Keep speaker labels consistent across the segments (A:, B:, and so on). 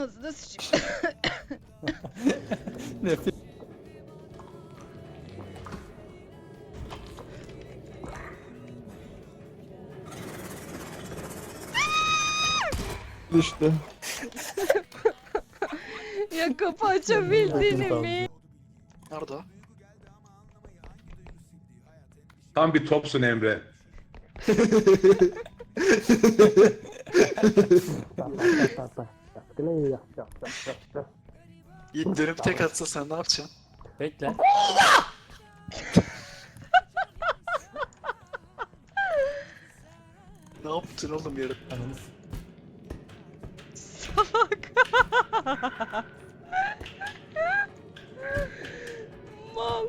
A: Ağzına sıçayım.
B: Nefes.
C: İşte.
A: Ya kapı açabildiğini mi?
D: Nerede o?
E: Tam bir topsun Emre.
D: Yiğit dönüp tek atsa sen ne yapacaksın?
B: Bekle.
D: Ne yaptın oğlum yarın?
B: Ananı
A: Salak. Mal.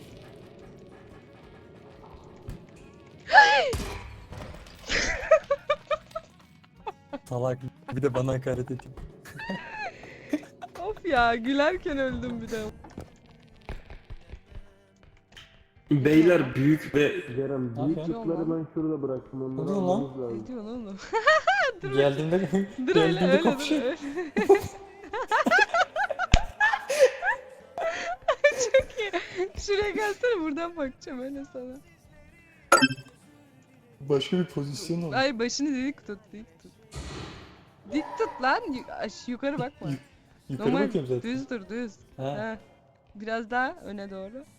B: salak. Bir de bana hakaret ediyor.
A: Of ya, gülerken öldüm bir de.
F: Beyler büyük ve
C: Kerem
B: Ne
C: büyük
B: yapıyorsun?
C: tıkları ben şurada bıraktım. Onları
B: Ne diyorsun lan?
C: almamız lazım.
A: Ne diyorsun oğlum? Dur
B: Geldiğinde
A: dur öyle
B: geldiğinde
A: öyle dur
B: kapışıyor.
A: öyle. Çok iyi. Şuraya gelsene, buradan bakacağım öyle sana.
B: Başka bir pozisyon oldu.
A: Ay, başını dik tut, dik tut. Dik tut lan, yukarı bakma.
B: Yukarı
A: Normal
B: bakıyorum zaten.
A: düz dur, düz.
B: Ha.
A: Ha. Biraz daha öne doğru.